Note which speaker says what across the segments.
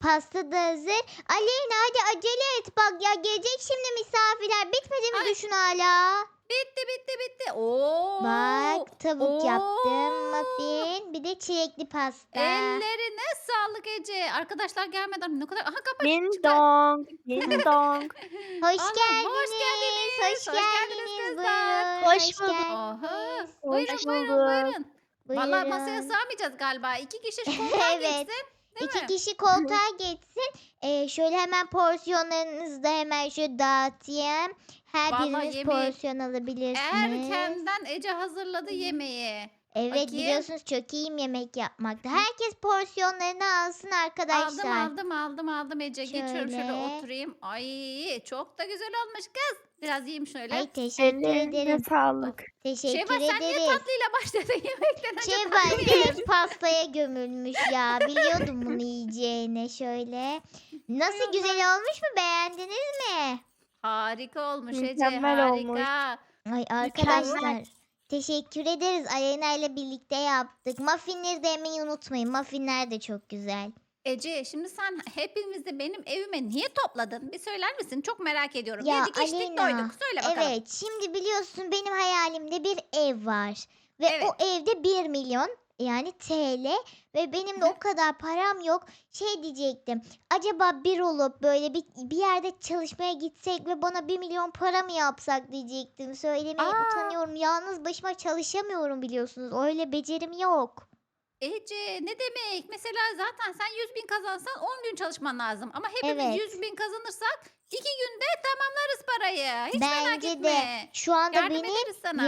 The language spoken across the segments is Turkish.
Speaker 1: pasta da hazır. Aleyna hadi acele et bak ya, gelecek şimdi misafirler. Bitmedi mi
Speaker 2: Ay,
Speaker 1: düşün hala?
Speaker 2: bitti bitti bitti. Oo.
Speaker 1: Bak tavuk yaptım,
Speaker 2: Oo.
Speaker 1: muffin, bir de çilekli pasta.
Speaker 2: Ellerine sağlık Ece. Arkadaşlar gelmeden ne kadar... Aha kapı
Speaker 3: Ding
Speaker 2: çıktı.
Speaker 3: dong, ding dong.
Speaker 1: Hoş
Speaker 2: Allah'ım hoş
Speaker 1: geldiniz,
Speaker 2: geldiniz.
Speaker 1: hoş
Speaker 2: Hoş geldiniz
Speaker 1: geldiniz.
Speaker 2: kızlar.
Speaker 1: Buyurun,
Speaker 3: Hoş
Speaker 1: hoş
Speaker 3: bulduk.
Speaker 2: Oha.
Speaker 1: geldiniz.
Speaker 2: Buyurun
Speaker 3: Hoş
Speaker 2: buyurun
Speaker 3: bulduk.
Speaker 2: buyurun. Vallahi masaya
Speaker 1: Buyurun.
Speaker 2: sığamayacağız galiba. 2 kişi şu koltuğa
Speaker 1: Evet.
Speaker 2: geçsin. Değil
Speaker 1: 2
Speaker 2: mi?
Speaker 1: kişi koltuğa geçsin. Şöyle hemen porsiyonlarınızı da hemen şöyle dağıtayım. Her
Speaker 2: Vallahi
Speaker 1: biriniz
Speaker 2: yemeği
Speaker 1: porsiyon alabilirsiniz.
Speaker 2: erkenden Ece hazırladı yemeği.
Speaker 1: Evet,
Speaker 2: Bakayım.
Speaker 1: biliyorsunuz çok iyiyim yemek yapmakta. Herkes porsiyonlarını alsın
Speaker 2: Aldım
Speaker 1: arkadaşlar.
Speaker 2: aldım Ece. Geçiyorum şöyle
Speaker 1: Şöyle.
Speaker 2: oturayım. Ay çok da güzel olmuş kız. Biraz yiyeyim şöyle.
Speaker 1: Ay teşekkür
Speaker 3: Ellerine
Speaker 1: ederim.
Speaker 3: sağlık.
Speaker 1: Teşekkür
Speaker 2: Şevval sen niye
Speaker 1: ederiz.
Speaker 2: tatlıyla başladın yemekten önce
Speaker 1: Şevval
Speaker 2: tatlı ye.
Speaker 1: direkt pastaya gömülmüş ya. Biliyordum bunu yiyeceğini. Şöyle. Nasıl,
Speaker 2: Hay
Speaker 1: güzel
Speaker 2: Allah.
Speaker 1: olmuş mu? Beğendiniz mi?
Speaker 2: Harika olmuş Ece
Speaker 3: Mükemmel olmuş.
Speaker 2: harika.
Speaker 1: Ay arkadaşlar, teşekkür ederiz. Aleyna ile birlikte yaptık. Muffinleri de yemeyi unutmayın. Muffinler de çok güzel.
Speaker 2: Ece şimdi sen hepimizi benim evime niye topladın? Bir söyler misin? Çok merak ediyorum.
Speaker 1: Ya
Speaker 2: Yedik içtik
Speaker 1: Aleyna,
Speaker 2: doyduk. Söyle bakalım.
Speaker 1: evet, şimdi biliyorsun benim hayalimde bir ev var. Ve
Speaker 2: Evet.
Speaker 1: o evde 1 milyon, yani TL, ve benim de o kadar param yok. Şey diyecektim. Acaba bir olup böyle bir yerde çalışmaya gitsek ve bana 1 milyon para mı yapsak diyecektim. Söylemeye
Speaker 2: Aa,
Speaker 1: utanıyorum. Yalnız başıma çalışamıyorum biliyorsunuz. Öyle becerim yok.
Speaker 2: Ece ne demek? Mesela zaten sen 100.000 kazansan 10 gün çalışman lazım. Ama hepimiz
Speaker 1: Evet.
Speaker 2: 100.000 kazanırsak 2 günde tamamlarız parayı. Hiç merak
Speaker 1: Bence de
Speaker 2: etme.
Speaker 1: şu anda
Speaker 2: Yardım
Speaker 1: benim
Speaker 2: ederiz sana.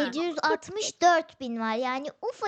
Speaker 1: 764 bin var. Yani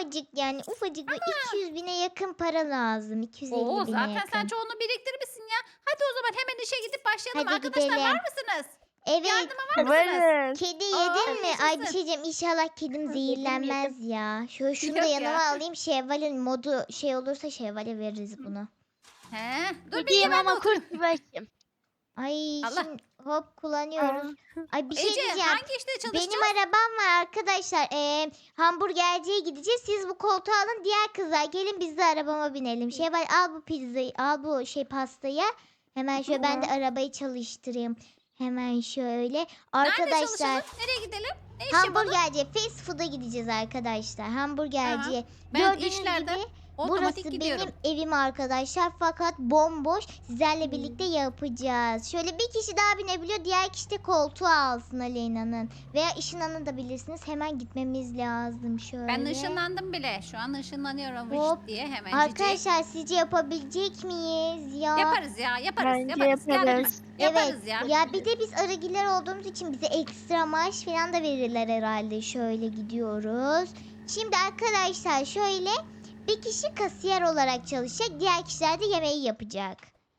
Speaker 1: ufacık bir 200 bine yakın para lazım. 250
Speaker 2: Oo,
Speaker 1: bine
Speaker 2: zaten sen
Speaker 1: yakın.
Speaker 2: çoğunu biriktirmişsin ya. Hadi o zaman hemen işe gidip başlayalım.
Speaker 1: Hadi
Speaker 2: Arkadaşlar
Speaker 1: gidelim.
Speaker 2: var mısınız?
Speaker 1: Evet.
Speaker 2: Yardıma var mısınız?
Speaker 3: Varız.
Speaker 1: Kedi
Speaker 2: Aa,
Speaker 1: yedin mi? Ay bir
Speaker 2: yaşasın.
Speaker 1: şey diyeceğim. İnşallah kedim
Speaker 3: Yedim,
Speaker 1: zehirlenmez ya. Şunu da
Speaker 2: Yok
Speaker 1: yanıma
Speaker 2: ya.
Speaker 1: alayım. Şevval'in modu şey olursa Şevval'e veririz bunu.
Speaker 2: He, dur bir
Speaker 3: Gideyim
Speaker 2: ben de
Speaker 3: ama
Speaker 2: oturayım.
Speaker 3: kurt başım.
Speaker 1: Ay
Speaker 2: Allah.
Speaker 1: şimdi hop kullanıyoruz. Ay bir şey
Speaker 2: Ece
Speaker 1: diyeceğim.
Speaker 2: hangi işte çalışacağız?
Speaker 1: Benim arabam var arkadaşlar. Hamburgerciye gideceğiz. Siz bu koltuğu alın. Diğer kızlar gelin, biz de arabama binelim. Şevval al bu pizzayı. Al bu pastayı. Hemen şöyle ben de arabayı çalıştırayım. Hemen şöyle.
Speaker 2: Nerede
Speaker 1: Arkadaşlar
Speaker 2: çalışalım? Nereye gidelim? Ne iş yapalım?
Speaker 1: hamburgerciye, fast food'a gideceğiz arkadaşlar. Hamburgerciye.
Speaker 2: Ben
Speaker 1: Gördüğünüz
Speaker 2: işlerde
Speaker 1: gibi
Speaker 2: otomatik
Speaker 1: burası
Speaker 2: gidiyorum.
Speaker 1: benim evim arkadaşlar, fakat bomboş. Sizlerle birlikte yapacağız. Şöyle bir kişi daha binebiliyor. Diğer kişi de koltuğu alsın Aleyna'nın. Veya ışınlanabilirsiniz. Hemen gitmemiz lazım şöyle.
Speaker 2: Ben ışınlandım bile. Şu an ışınlanıyorum
Speaker 1: Hop.
Speaker 2: vış diye hemen cici.
Speaker 1: Arkadaşlar sizce yapabilecek miyiz ya?
Speaker 2: Yaparız ya yaparız.
Speaker 3: Bence
Speaker 2: yaparız.
Speaker 3: yaparız.
Speaker 2: Yaparız ya.
Speaker 1: Ya bir de biz arıgiler olduğumuz için bize ekstra maaş falan da verirler herhalde. Şöyle gidiyoruz. Şimdi arkadaşlar şöyle bir kişi kasiyer olarak çalışacak. Diğer kişiler de yemeği yapacak.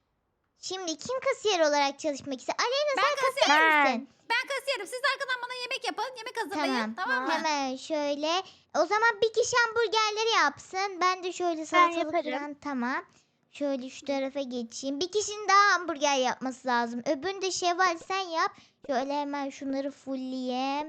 Speaker 1: Şimdi kim kasiyer olarak çalışmak ister? Aleyna sen kasiyer misin?
Speaker 2: Ben kasiyerim. Siz arkadan bana yemek yapın. Yemek hazırlayın. Tamam mı?
Speaker 1: Hemen şöyle. O zaman bir kişi hamburgerleri yapsın. Ben de şöyle salatalık
Speaker 3: yaparım.
Speaker 1: falan, tamam. Şöyle şu tarafa geçeyim. Bir kişinin daha hamburger yapması lazım. Öbürünü de Şevval sen yap. Şöyle hemen şunları fullleyeyim.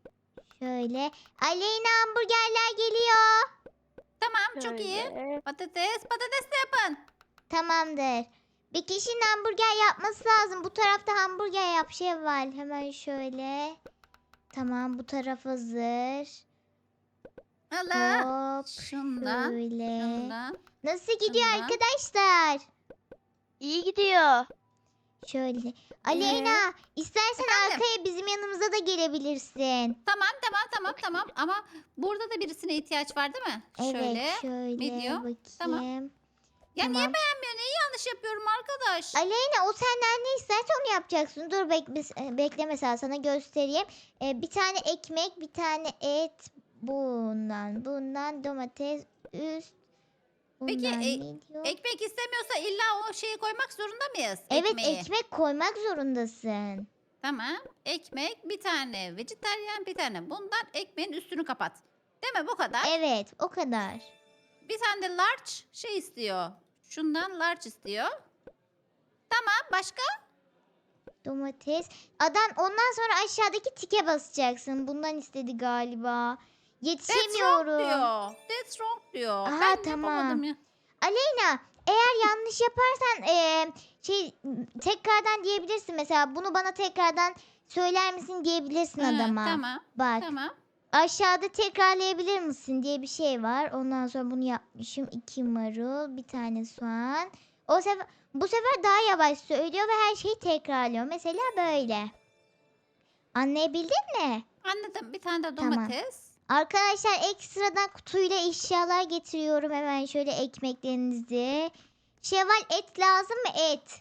Speaker 1: Şöyle. Aleyna hamburgerler geliyor.
Speaker 2: Tamam çok iyi.
Speaker 3: Şöyle.
Speaker 2: Patates de yapın.
Speaker 1: Tamamdır. Bir kişinin hamburger yapması lazım. Bu tarafta hamburger yap Şevval. Hemen şöyle. Tamam, bu taraf hazır.
Speaker 2: Allah.
Speaker 1: Hop.
Speaker 2: Şundan.
Speaker 1: Şöyle.
Speaker 2: Şundan.
Speaker 1: Nasıl gidiyor
Speaker 2: Şundan.
Speaker 1: arkadaşlar?
Speaker 3: İyi gidiyor.
Speaker 1: Şöyle. Aleyna, istersen
Speaker 2: Efendim?
Speaker 1: arkaya bizim yanımıza da gelebilirsin.
Speaker 2: Tamam. Ama burada da birisine ihtiyaç var değil mi? Şöyle.
Speaker 1: Evet, şöyle
Speaker 2: video.
Speaker 1: bakayım.
Speaker 2: Tamam. Ya niye
Speaker 1: Tamam.
Speaker 2: beğenmiyor? Neyi yanlış yapıyorum arkadaş?
Speaker 1: Aleyna, o senden ne isterse onu yapacaksın. Dur bekle, mesela sana göstereyim. Bir tane ekmek, bir tane et. Bundan domates üst.
Speaker 2: Peki,
Speaker 1: Bundan ne diyor?
Speaker 2: Ekmek istemiyorsa illa o şeyi koymak zorunda mıyız?
Speaker 1: Evet,
Speaker 2: Ekmeği.
Speaker 1: ekmek koymak zorundasın.
Speaker 2: Tamam. Ekmek bir tane. Vejetaryen bir tane. Bundan ekmeğin üstünü kapat. Değil mi? Bu kadar.
Speaker 1: Evet, o kadar.
Speaker 2: Bir tane de large şey istiyor. Şundan large istiyor. Tamam. Başka?
Speaker 1: Domates. Ondan sonra aşağıdaki tike basacaksın. Bundan istedi galiba.
Speaker 2: That's wrong
Speaker 1: Yetişemiyorum.
Speaker 2: diyor. That's wrong diyor.
Speaker 1: Aha,
Speaker 2: Ben
Speaker 1: tamam.
Speaker 2: yapamadım ya.
Speaker 1: Aleyna, eğer yanlış yaparsan tekrardan diyebilirsin. Mesela bunu bana tekrardan söyler misin diyebilirsin
Speaker 2: Ha,
Speaker 1: adama.
Speaker 2: tamam.
Speaker 1: Bak
Speaker 2: Tamam.
Speaker 1: aşağıda tekrarlayabilir misin diye bir şey var. Ondan sonra bunu yapmışım. 2 marul, bir tane soğan. Bu sefer daha yavaş söylüyor ve her şeyi tekrarlıyor. Mesela böyle. Anlayabildin mi?
Speaker 2: Anladım. Bir tane de
Speaker 1: Tamam.
Speaker 2: domates.
Speaker 1: Arkadaşlar ekstradan kutuyla eşyalar getiriyorum. Hemen şöyle ekmeklerinizi. Şevval et lazım mı? Et.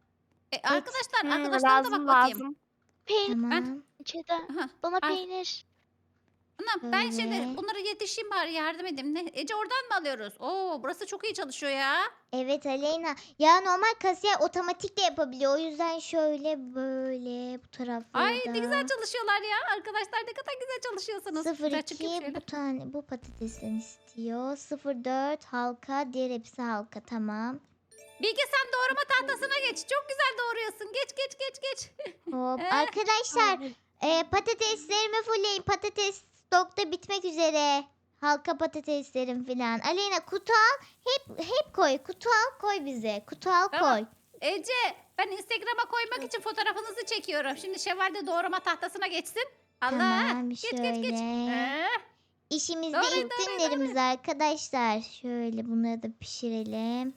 Speaker 2: Arkadaşlara da bak bakayım.
Speaker 3: lazım. Peynir
Speaker 1: Tamam.
Speaker 3: içinde.
Speaker 2: Aha,
Speaker 3: Bana
Speaker 2: al.
Speaker 3: peynir.
Speaker 2: Anam ben
Speaker 1: Şöyle.
Speaker 2: şimdi bunları yetişeyim bari yardım edeyim. Ece oradan mı alıyoruz? Oo burası çok iyi çalışıyor ya.
Speaker 1: Evet Aleyna. Ya normal kasiyer otomatik de yapabiliyor. O yüzden şöyle böyle bu taraflarda.
Speaker 2: Ay ne güzel çalışıyorlar ya. Arkadaşlar ne kadar güzel çalışıyorsunuz. Güzel çıkayım
Speaker 1: 02
Speaker 2: şöyle.
Speaker 1: bu tane bu patatesten istiyor. 04 halka, diğer hepsi halka. Tamam.
Speaker 2: Bilge sen doğrama tahtasına geç. Çok güzel doğruyorsun. Geç.
Speaker 1: Hop.
Speaker 2: Eh,
Speaker 1: Arkadaşlar patateslerimi fullleyin. Patates stokta bitmek üzere. Halka patateslerim filan. Aleyna kutu al. Hep koy. Kutu al koy bize. Kutu al
Speaker 2: Tamam.
Speaker 1: koy.
Speaker 2: Ece ben Instagram'a koymak için fotoğrafınızı çekiyorum. Şimdi Şevval de doğrama tahtasına geçsin. Allah.
Speaker 1: Tamam,
Speaker 2: Geç.
Speaker 1: şöyle. İşimizde
Speaker 2: Doğrayın,
Speaker 1: ilk
Speaker 2: doğrayın,
Speaker 1: günlerimiz arkadaşlar. Şöyle bunları da pişirelim.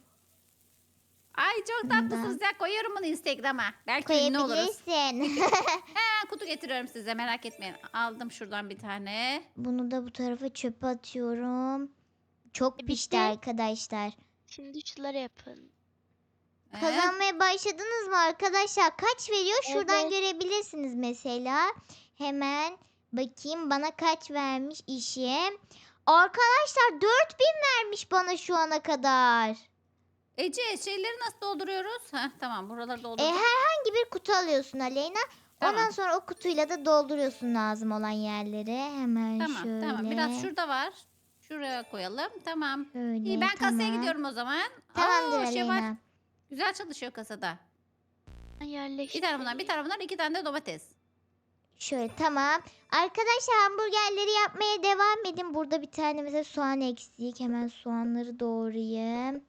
Speaker 2: Ay çok
Speaker 1: Bundan.
Speaker 2: tatlısınız ya. Koyuyorum bunu Instagram'a. Belki ünlü oluruz.
Speaker 1: Koyabilirsin.
Speaker 2: Kutu getiriyorum size merak etmeyin. Aldım şuradan bir tane.
Speaker 1: Bunu da bu tarafa çöpe atıyorum. Çok
Speaker 3: Bitti.
Speaker 1: pişti arkadaşlar.
Speaker 3: Şimdi şunları yapın.
Speaker 1: Kazanmaya başladınız mı arkadaşlar? Kaç veriyor? Şuradan
Speaker 3: Evet.
Speaker 1: görebilirsiniz mesela. Hemen bakayım bana kaç vermiş işim. Arkadaşlar 4000 vermiş bana şu ana kadar.
Speaker 2: Ece şeyleri nasıl dolduruyoruz? Heh, tamam buraları doldurdum.
Speaker 1: Herhangi bir kutu alıyorsun Aleyna. Ondan
Speaker 2: Tamam.
Speaker 1: sonra o kutuyla da dolduruyorsun lazım olan yerleri. Hemen
Speaker 2: Tamam
Speaker 1: şöyle.
Speaker 2: tamam biraz şurada var. Şuraya koyalım. Tamam.
Speaker 1: Şöyle,
Speaker 2: İyi ben kasaya
Speaker 1: tamam.
Speaker 2: gidiyorum o zaman.
Speaker 1: Tamamdır
Speaker 2: Şevval
Speaker 1: Aleyna.
Speaker 2: güzel çalışıyor kasada.
Speaker 3: Ben yerleştireyim.
Speaker 2: Bir tane bunlar, 2 tane de domates.
Speaker 1: Şöyle tamam. Arkadaşlar hamburgerleri yapmaya devam edin. Burada bir tane mesela soğan eksik. Hemen soğanları doğrayayım.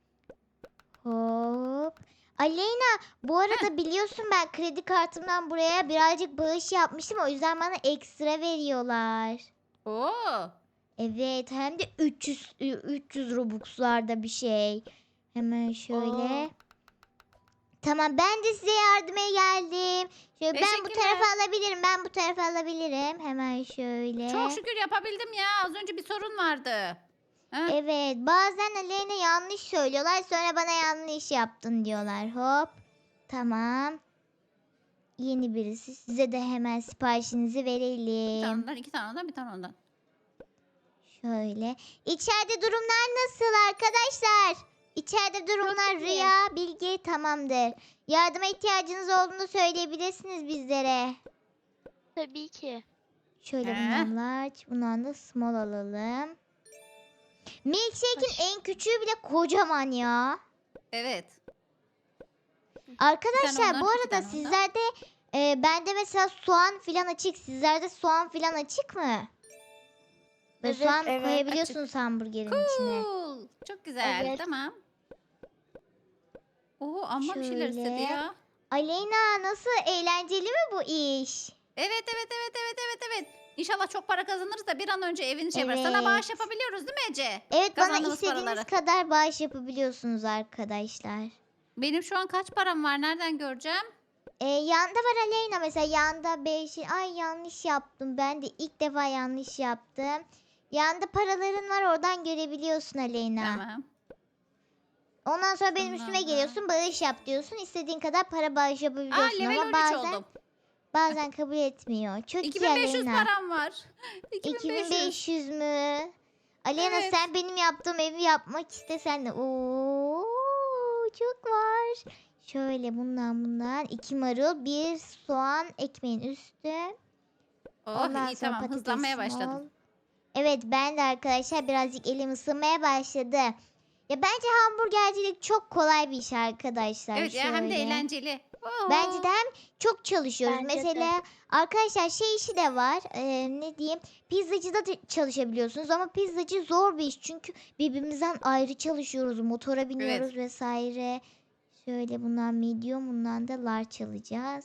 Speaker 1: Hop. Aleyna bu arada biliyorsun ben kredi kartımdan buraya birazcık bağış yapmıştım. O yüzden bana ekstra veriyorlar.
Speaker 2: Oo.
Speaker 1: Evet hem de 300 Robux'larda bir şey. Hemen şöyle.
Speaker 3: Oo.
Speaker 1: Tamam ben de size yardıma geldim. Şöyle ben bu
Speaker 2: Teşekkürler.
Speaker 1: tarafa alabilirim. Ben bu tarafa alabilirim. Hemen şöyle.
Speaker 2: Çok şükür yapabildim ya. Az önce bir sorun vardı. Heh.
Speaker 1: Evet bazen Aleyna yanlış söylüyorlar. Sonra bana yanlış yaptın diyorlar. Hop. Tamam. Yeni birisi. Size de hemen siparişinizi
Speaker 2: Bir tane
Speaker 1: verelim.
Speaker 2: ondan, 2 tane ondan, bir tane ondan.
Speaker 1: Şöyle. İçeride durumlar nasıl arkadaşlar? İçeride durumlar
Speaker 3: iyi.
Speaker 1: Rüya, Bilge tamamdır. Yardıma ihtiyacınız olduğunu söyleyebilirsiniz bizlere.
Speaker 3: Tabii ki.
Speaker 1: Şöyle
Speaker 2: Ee?
Speaker 1: bundan large, bundan da small alalım. Milkshake'in en küçüğü bile kocaman ya.
Speaker 2: Evet.
Speaker 1: Arkadaşlar
Speaker 2: ondan,
Speaker 1: bu
Speaker 2: 2
Speaker 1: arada
Speaker 2: tane ondan.
Speaker 1: sizlerde bende mesela soğan filan açık. Sizlerde soğan filan açık mı? Böyle
Speaker 3: Evet,
Speaker 1: soğan
Speaker 3: evet,
Speaker 1: koyabiliyorsunuz hamburgerin içine.
Speaker 2: Cool. Çok güzel.
Speaker 3: Evet.
Speaker 2: Tamam. Oo amma bir şeyler
Speaker 1: Şöyle.
Speaker 2: istedi ya.
Speaker 1: Aleyna nasıl eğlenceli mi bu iş?
Speaker 2: Evet. İnşallah çok para kazanırız da bir an önce evini şey yaparız. Sana bağış
Speaker 1: Evet.
Speaker 2: yapabiliyoruz değil mi Ece?
Speaker 1: Evet bana
Speaker 2: Kazandığımız
Speaker 1: istediğiniz
Speaker 2: paraları.
Speaker 1: kadar bağış yapabiliyorsunuz arkadaşlar.
Speaker 2: Benim şu an kaç param var? Nereden göreceğim?
Speaker 1: Yanda var Aleyna mesela yanda 5. Ay yanlış yaptım. Ben de ilk defa yanlış yaptım. Yanda paraların var oradan görebiliyorsun Aleyna.
Speaker 2: Tamam.
Speaker 1: Ondan sonra benim üstüme
Speaker 2: Tamam.
Speaker 1: geliyorsun bağış yap diyorsun. İstediğin kadar para bağış
Speaker 2: Aa
Speaker 1: yapabiliyorsun
Speaker 2: level
Speaker 1: ama
Speaker 2: 13
Speaker 1: bazen
Speaker 2: oldum.
Speaker 1: kabul etmiyor. Çok iyi
Speaker 2: 2500
Speaker 1: Aleyna.
Speaker 2: param var. 2500.
Speaker 1: 2500 mü? Aleyna
Speaker 2: Evet.
Speaker 1: sen benim yaptığım evi yapmak istesen de. Oo, çok var. Şöyle bundan 2 marul, 1 soğan, ekmeğin üstü.
Speaker 2: Oh
Speaker 1: Ondan
Speaker 2: iyi
Speaker 1: sonra
Speaker 2: tamam
Speaker 1: patates
Speaker 2: hızlanmaya
Speaker 1: small.
Speaker 2: başladım.
Speaker 1: Evet ben de arkadaşlar birazcık elim ısınmaya başladı. Ya bence hamburgercilik çok kolay bir iş arkadaşlar.
Speaker 2: Evet ya hem de
Speaker 1: Şöyle.
Speaker 2: eğlenceli.
Speaker 1: Bence de hem çok çalışıyoruz.
Speaker 3: Bence de.
Speaker 1: Mesela arkadaşlar şey işi de var. Ne diyeyim? Pizzacıda da çalışabiliyorsunuz ama pizzacı zor bir iş. Çünkü birbirimizden ayrı çalışıyoruz. Motora biniyoruz vesaire. Şöyle bundan medium, bundan da large alacağız.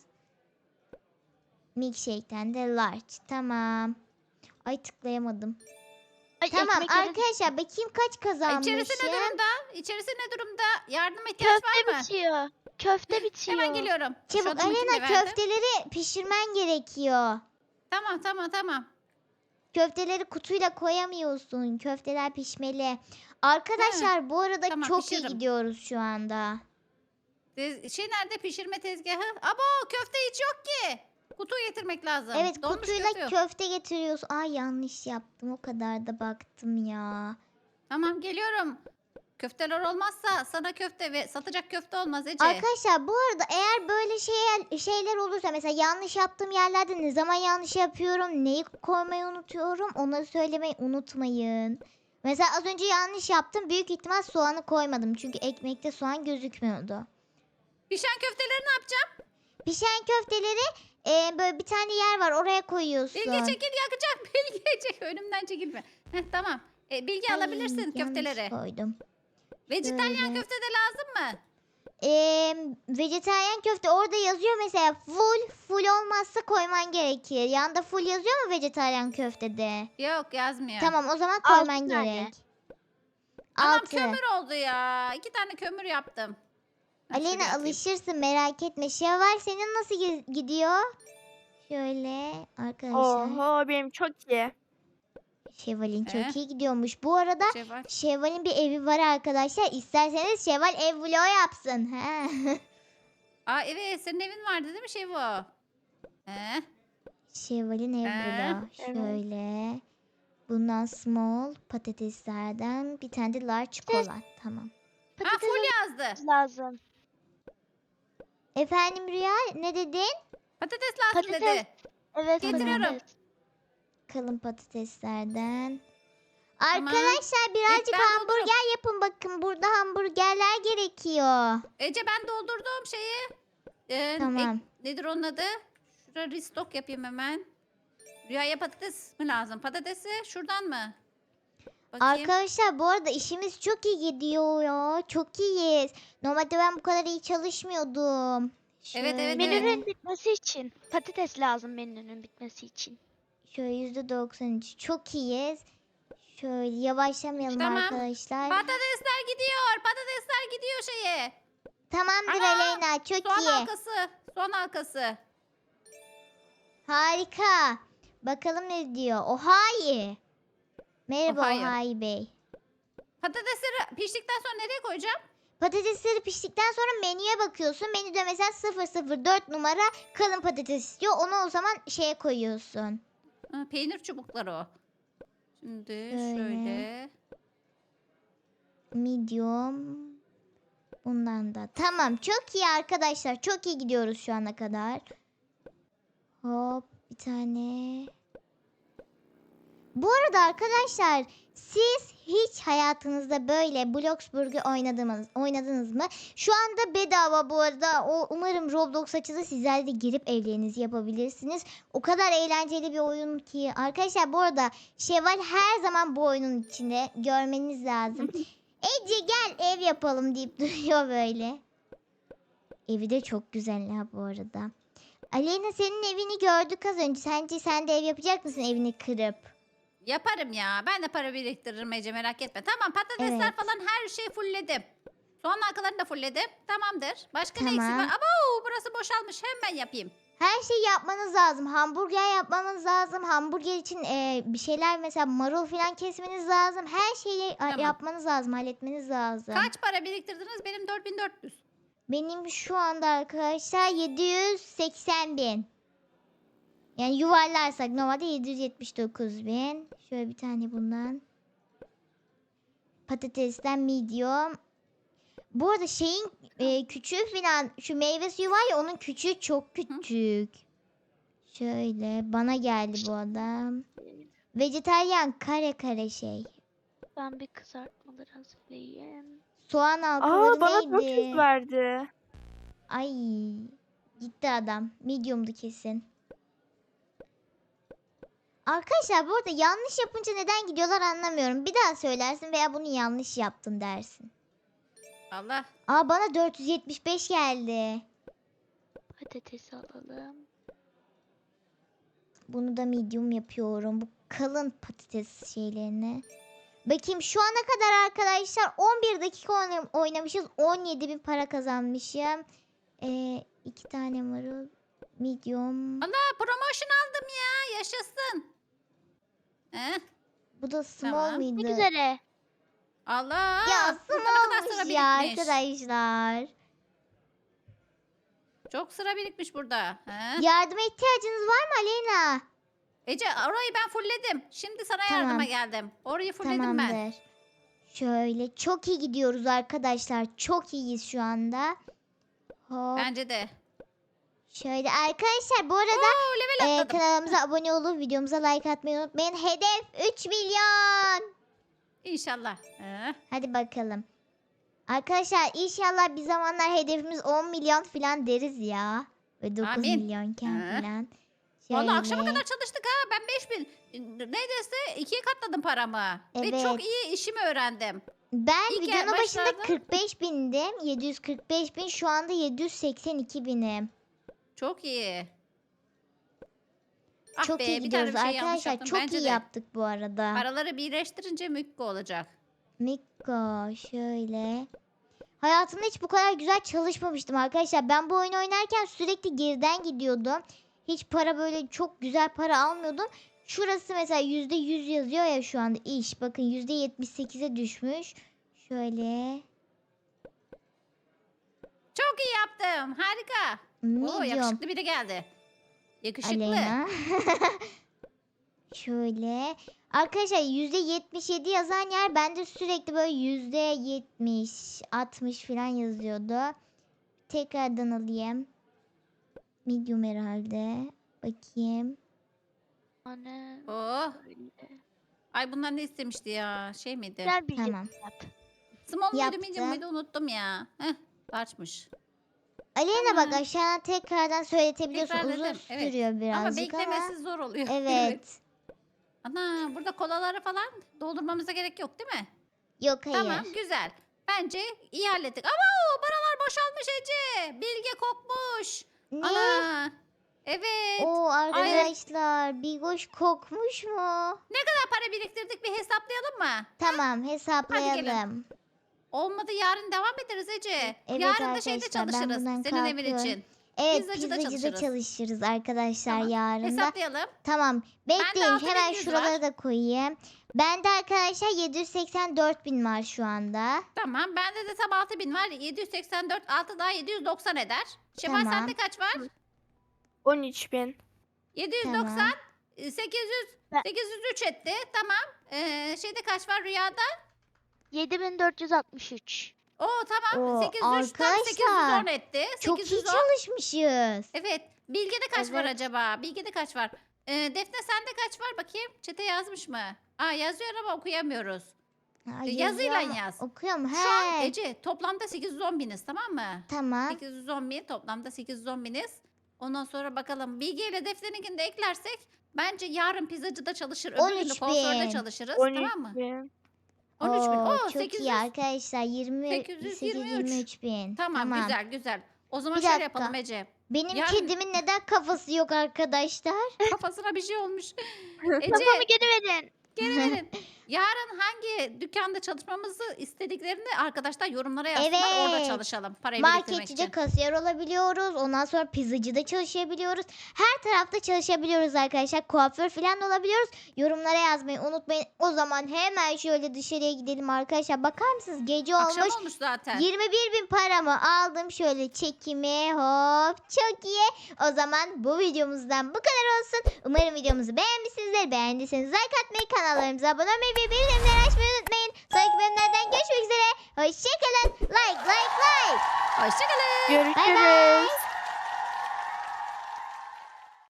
Speaker 1: Milkshake'ten de large. Tamam. Ay tıklayamadım.
Speaker 3: Ay,
Speaker 1: Tamam
Speaker 3: ekmekleri
Speaker 1: arkadaşlar bakayım kaç kazanmışım.
Speaker 2: İçerisi ne durumda? İçerisi ne durumda? Yardıma ihtiyaç
Speaker 3: köfte
Speaker 2: var mı?
Speaker 3: bitiyor. Köfte bitiyor.
Speaker 2: Hemen geliyorum. Şu
Speaker 1: Çabuk
Speaker 2: adamı kimle
Speaker 1: Alena
Speaker 2: verdim?
Speaker 1: köfteleri pişirmen gerekiyor.
Speaker 2: Tamam.
Speaker 1: Köfteleri kutuyla koyamıyorsun. Köfteler pişmeli. Arkadaşlar bu arada
Speaker 2: Tamam,
Speaker 1: çok iyi
Speaker 2: pişiririm.
Speaker 1: gidiyoruz şu anda.
Speaker 2: Şey nerede pişirme tezgahı? Abo köfte hiç yok ki. Kutu getirmek lazım.
Speaker 1: Evet
Speaker 2: Donmuş
Speaker 1: kutuyla
Speaker 2: köfte yok.
Speaker 1: köfte getiriyorsun. Ay yanlış yaptım. O kadar da baktım ya.
Speaker 2: Tamam geliyorum. Köfteler olmazsa sana köfte ve satacak köfte olmaz Ece.
Speaker 1: Arkadaşlar bu arada eğer böyle şeyler olursa mesela yanlış yaptığım yerlerde ne zaman yanlış yapıyorum, neyi koymayı unutuyorum onları söylemeyi unutmayın. Mesela az önce yanlış yaptım. Büyük ihtimal soğanı koymadım. Çünkü ekmekte soğan gözükmüyordu.
Speaker 2: Pişen köfteleri ne yapacağım?
Speaker 1: Pişen köfteleri böyle bir tane yer var oraya koyuyorsun.
Speaker 2: Bilge çekil yakacak. Bilge çekil. Önümden çekilme. Heh, tamam. Bilge
Speaker 1: Ay,
Speaker 2: alabilirsin
Speaker 1: yanlış
Speaker 2: köfteleri.
Speaker 1: koydum.
Speaker 2: Vejetaryen
Speaker 1: Şöyle.
Speaker 2: köfte de lazım mı?
Speaker 1: Vejetaryen köfte orada yazıyor mesela full olmazsa koyman gerekir. Yanında full yazıyor mu vejetaryen köftede?
Speaker 2: Yok yazmıyor.
Speaker 1: Tamam o zaman
Speaker 3: 6
Speaker 1: koyman
Speaker 3: tane.
Speaker 1: gerek.
Speaker 2: Anam
Speaker 1: 6.
Speaker 2: kömür oldu ya. 2 tane kömür yaptım. Ha, şuraya
Speaker 1: Aleyna
Speaker 2: atayım.
Speaker 1: alışırsın merak etme. Şevval senin nasıl gidiyor? Şöyle arkadaşlar.
Speaker 4: Oho benim çok iyi.
Speaker 1: Şevval'in
Speaker 2: Eh.
Speaker 1: çok iyi gidiyormuş. Bu arada
Speaker 2: Şey var.
Speaker 1: Şevval'in bir evi var arkadaşlar. İsterseniz Şevval ev vlogu yapsın. He.
Speaker 2: Aa evet senin evin vardı değil mi şey bu?
Speaker 1: Şevval'in ev vlogu.
Speaker 4: Evet.
Speaker 1: Şöyle. Bundan small patateslerden bir tane de large kola. Tamam.
Speaker 2: Ha full yazdı.
Speaker 3: lazım.
Speaker 1: Efendim Rüya ne dedin?
Speaker 2: Patates lazım
Speaker 3: Patates.
Speaker 2: dedi.
Speaker 3: Evet.
Speaker 2: Getiriyorum.
Speaker 3: patates.
Speaker 1: Kalın patateslerden.
Speaker 2: Tamam.
Speaker 1: Arkadaşlar birazcık
Speaker 2: ben
Speaker 1: hamburger yapın bakın. Burada hamburgerler gerekiyor.
Speaker 2: Ece ben doldurdum şeyi.
Speaker 1: Tamam.
Speaker 2: Nedir onun adı? Şuraya restock yapayım hemen. Rüyaya patates mi lazım? Patatesi şuradan mı? Bakayım.
Speaker 1: Arkadaşlar bu arada işimiz çok iyi gidiyor ya. Çok iyiyiz. Normalde ben bu kadar iyi çalışmıyordum.
Speaker 2: Evet, evet.
Speaker 3: Menünün bitmesi için. Patates lazım menünün bitmesi için.
Speaker 1: Şöyle %93. Çok iyiyiz. Şöyle yavaşlamayalım
Speaker 2: Tamam.
Speaker 1: arkadaşlar.
Speaker 2: Patatesler gidiyor. Patatesler gidiyor şeye.
Speaker 1: Tamamdır
Speaker 2: Ana!
Speaker 1: Aleyna. Çok
Speaker 2: Soğan
Speaker 1: iyi.
Speaker 2: halkası. Soğan halkası.
Speaker 1: Harika. Bakalım ne diyor. Ohayi. Merhaba
Speaker 2: Ohayi.
Speaker 1: Ohayi Bey.
Speaker 2: Patatesleri piştikten sonra nereye koyacağım?
Speaker 1: Patatesleri piştikten sonra menüye bakıyorsun. Menüde mesela 004 numara kalın patates istiyor. Onu o zaman şeye koyuyorsun.
Speaker 2: Ha, peynir çubukları o. Şimdi
Speaker 1: Şöyle.
Speaker 2: şöyle.
Speaker 1: Medium. Bundan da. Tamam çok iyi arkadaşlar. Çok iyi gidiyoruz şu ana kadar. Hop bir tane. Bu arada arkadaşlar siz hiç hayatınızda böyle Bloxburg'u oynadınız mı? Şu anda bedava bu arada. Umarım Roblox açılır. Sizler de girip evlerinizi yapabilirsiniz. O kadar eğlenceli bir oyun ki. Arkadaşlar bu arada Şevval her zaman bu oyunun içinde. Görmeniz lazım. Ece gel ev yapalım deyip duruyor böyle. Evi de çok güzel ha bu arada. Aleyna senin evini gördük az önce. Sence sen de ev yapacak mısın evini kırıp?
Speaker 2: Yaparım ya. Ben de para biriktiririm Ece merak etme. Tamam patatesler
Speaker 1: Evet.
Speaker 2: falan her şeyi fullledim. Soğan halkalarını da fullledim. Tamamdır. Başka ne
Speaker 1: Tamam.
Speaker 2: eksik var? Abo burası boşalmış. Hemen yapayım.
Speaker 1: Her şeyi yapmanız lazım. Hamburger yapmanız lazım. Hamburger için bir şeyler mesela marul falan kesmeniz lazım. Her şeyi
Speaker 2: Tamam.
Speaker 1: yapmanız lazım. Halletmeniz lazım.
Speaker 2: Kaç para biriktirdiniz? Benim 4400.
Speaker 1: Benim şu anda arkadaşlar 780 bin. Yani yuvarlarsak normalde 779 bin. Şöyle bir tane bundan. Patatesten medium. Bu arada şeyin küçüğü falan şu meyve suyu var ya onun küçüğü çok küçük. Şöyle bana geldi bu adam. Vejetaryen kare kare şey.
Speaker 3: Ben bir kızartmaları hazırlayayım.
Speaker 1: Soğan halkaları
Speaker 4: Aa bana çok
Speaker 1: neydi?
Speaker 4: yüz verdi.
Speaker 1: Ay Gitti adam. Medium'du kesin. Arkadaşlar bu arada yanlış yapınca neden gidiyorlar anlamıyorum. Bir daha söylersin veya bunu yanlış yaptın dersin.
Speaker 2: Allah.
Speaker 1: Aa bana 475 geldi.
Speaker 3: Patates alalım.
Speaker 1: Bunu da medium yapıyorum. Bu kalın patates şeylerini. Bakayım şu ana kadar arkadaşlar 11 dakika oynamışız. 17.000 para kazanmışım. 2 tane marul. Medium.
Speaker 2: Allah promotion aldım ya. Yaşasın.
Speaker 1: Bu da small
Speaker 2: Tamam.
Speaker 3: Ne
Speaker 1: mıydı?
Speaker 3: üzere.
Speaker 2: Allah.
Speaker 1: Ya
Speaker 2: burada ne kadar sıra
Speaker 1: smallmış ya
Speaker 2: birikmiş.
Speaker 1: arkadaşlar.
Speaker 2: Çok sıra birikmiş burada.
Speaker 1: Yardıma ihtiyacınız var mı Aleyna?
Speaker 2: Ece orayı ben fullledim. Şimdi sana
Speaker 1: Tamam.
Speaker 2: yardıma geldim. Orayı fullledim ben.
Speaker 1: Tamamdır. Şöyle çok iyi gidiyoruz arkadaşlar. Çok iyiyiz şu anda. Hop.
Speaker 2: Bence de.
Speaker 1: Şöyle arkadaşlar bu arada
Speaker 2: Oo, level atladım.
Speaker 1: kanalımıza abone olup videomuza like atmayı unutmayın. Hedef 3 milyon.
Speaker 2: İnşallah.
Speaker 1: Hadi bakalım. Arkadaşlar inşallah bir zamanlar hedefimiz 10 milyon falan deriz ya. Ve 9
Speaker 2: Amin.
Speaker 1: milyonken falan.
Speaker 2: Vallahi akşama
Speaker 1: Şöyle.
Speaker 2: kadar çalıştık ha. Ben 5000 neredeyse 2'ye katladım paramı. Ve
Speaker 1: Evet.
Speaker 2: çok iyi işimi öğrendim.
Speaker 1: Ben
Speaker 2: İlk
Speaker 1: videonun başında
Speaker 2: başlarda-
Speaker 1: 45 bindim. 745 bin şu anda 782 binim.
Speaker 2: Çok iyi. Ah
Speaker 1: Çok
Speaker 2: be,
Speaker 1: iyi
Speaker 2: bir tane
Speaker 1: gidiyoruz
Speaker 2: bir şey yanlış
Speaker 1: arkadaşlar.
Speaker 2: yaptım.
Speaker 1: Çok
Speaker 2: Bence
Speaker 1: iyi
Speaker 2: de.
Speaker 1: yaptık bu arada.
Speaker 2: Paraları birleştirince mükko olacak.
Speaker 1: Mikko şöyle. Hayatımda hiç bu kadar güzel çalışmamıştım arkadaşlar. Ben bu oyunu oynarken sürekli geriden gidiyordum. Hiç para böyle çok güzel para almıyordum. Şurası mesela %100 yazıyor ya şu anda iş. Bakın %78'e düşmüş. Şöyle.
Speaker 2: Çok iyi yaptım. Harika. Oo,
Speaker 1: Medium.
Speaker 2: yakışıklı biri geldi. Yakışıklı.
Speaker 1: Aleyna. Şöyle. Arkadaşlar %77 yazan yer bende sürekli böyle %70, 60 falan yazıyordu. Tekrardan alayım. Medium herhalde. Bakayım.
Speaker 3: Anne.
Speaker 2: Oh.
Speaker 3: Böyle.
Speaker 2: Ay bunlar ne istemişti ya? Şey miydi?
Speaker 3: Güzel bir
Speaker 1: Tamam.
Speaker 3: yap.
Speaker 2: Small muydu,
Speaker 1: Yaptım.
Speaker 2: medium muydu unuttum ya. Large'mış.
Speaker 1: Aleyna bak
Speaker 2: Tamam.
Speaker 1: aşağıdan tekrardan söyletebiliyorsun.
Speaker 2: Tekrarladım,
Speaker 1: Uzun
Speaker 2: evet.
Speaker 1: sürüyor
Speaker 2: Ama
Speaker 1: birazcık ama.
Speaker 2: beklemesi zor oluyor.
Speaker 1: Evet.
Speaker 2: Ana burada kolaları falan doldurmamıza gerek yok değil mi?
Speaker 1: Yok hayır.
Speaker 2: Tamam güzel. Bence iyi hallettik. Ama o paralar boşalmış Ece. Bilge kokmuş.
Speaker 1: Ne?
Speaker 2: Ana. Evet.
Speaker 1: Oo arkadaşlar Bigoş kokmuş mu?
Speaker 2: Ne kadar para biriktirdik bir hesaplayalım mı?
Speaker 1: Tamam hesaplayalım.
Speaker 2: Olmadı yarın devam ederiz Ece.
Speaker 1: Evet
Speaker 2: Yarın da şeyde
Speaker 1: arkadaşlar, ben
Speaker 2: çalışırız.
Speaker 1: bundan
Speaker 2: Senin evin
Speaker 1: kalkıyorum.
Speaker 2: için.
Speaker 1: Evet
Speaker 2: Pizzacıda
Speaker 1: pizzacıda
Speaker 2: çalışırız.
Speaker 1: çalışırız arkadaşlar
Speaker 2: Tamam,
Speaker 1: yarın da.
Speaker 2: Hesaplayalım.
Speaker 1: Tamam bekleyin
Speaker 2: 6100
Speaker 1: hemen
Speaker 2: var.
Speaker 1: şuralara da koyayım. Bende arkadaşlar 784 bin var şu anda.
Speaker 2: Tamam. Bende de tam 6000 var. 784 6 daha 790 eder. Şevval
Speaker 1: Tamam.
Speaker 2: sende kaç var?
Speaker 4: 13.000.
Speaker 2: 790
Speaker 1: Tamam.
Speaker 2: 800
Speaker 3: Ben-
Speaker 2: 803 etti. Tamam. Şeyde kaç var rüyada?
Speaker 3: 7463.
Speaker 2: Oo tamam.
Speaker 1: Oo,
Speaker 2: 803 tam
Speaker 1: arkadaşlar,
Speaker 2: 810 etti.
Speaker 1: Çok iyi
Speaker 2: 810.
Speaker 1: çalışmışız.
Speaker 2: Evet. Bilge'de kaç var
Speaker 3: Evet.
Speaker 2: acaba? Bilge'de kaç var? Defne sende kaç var bakayım? Çete yazmış mı? Aa yazıyor ama okuyamıyoruz.
Speaker 1: Ha,
Speaker 2: yazıyla
Speaker 1: yazıyor ama
Speaker 2: yaz.
Speaker 1: Okuyor mu?
Speaker 2: Şu an
Speaker 1: He.
Speaker 2: Ece toplamda 810 biniz tamam mı?
Speaker 1: Tamam.
Speaker 2: 810 bin toplamda 810 biniz. Ondan sonra bakalım Bilge ile Defne'ninkini de eklersek bence yarın pizzacıda çalışır. Öbür günü
Speaker 1: 13.000.
Speaker 2: kuaförde çalışırız
Speaker 4: 13
Speaker 2: tamam mı?
Speaker 4: bin.
Speaker 2: 13 bin.
Speaker 1: Oo,
Speaker 2: Oo,
Speaker 1: çok
Speaker 2: 800.
Speaker 1: iyi arkadaşlar.
Speaker 2: 823.
Speaker 1: 23 bin.
Speaker 2: Tamam, güzel güzel. O zaman
Speaker 1: Bir
Speaker 2: şöyle
Speaker 1: dakika.
Speaker 2: yapalım Ece.
Speaker 1: Benim
Speaker 2: Yarın-
Speaker 1: kedimin neden kafası yok arkadaşlar?
Speaker 2: Kafasına bir şey olmuş. Ece
Speaker 3: Kafamı geri verin.
Speaker 2: geri verin. Yarın hangi dükkanda çalışmamızı istediklerini arkadaşlar yorumlara yazsınlar. Orada
Speaker 1: Evet.
Speaker 2: çalışalım. Parayı biriktirmek
Speaker 1: Marketçide
Speaker 2: için.
Speaker 1: kasiyer olabiliyoruz. Ondan sonra pizzacıda çalışabiliyoruz. Her tarafta çalışabiliyoruz arkadaşlar. Kuaför falan da olabiliyoruz. Yorumlara yazmayı unutmayın. O zaman hemen şöyle dışarıya gidelim arkadaşlar. Bakar mısınız? Gece
Speaker 2: Akşam
Speaker 1: olmuş.
Speaker 2: olmuş zaten.
Speaker 1: 21 bin paramı aldım şöyle çekimi hop çok iyi. O zaman bu videomuzdan bu kadar olsun. Umarım videomuzu beğenmişsinizdir. Beğendiyseniz like atmayı, kanallarımıza abone olmayı ve bildirimleri açmayı unutmayın. Sonraki bölümlerden görüşmek üzere. Hoşçakalın. Like.
Speaker 2: Hoşçakalın.
Speaker 4: Görüşürüz.
Speaker 1: Bay bay.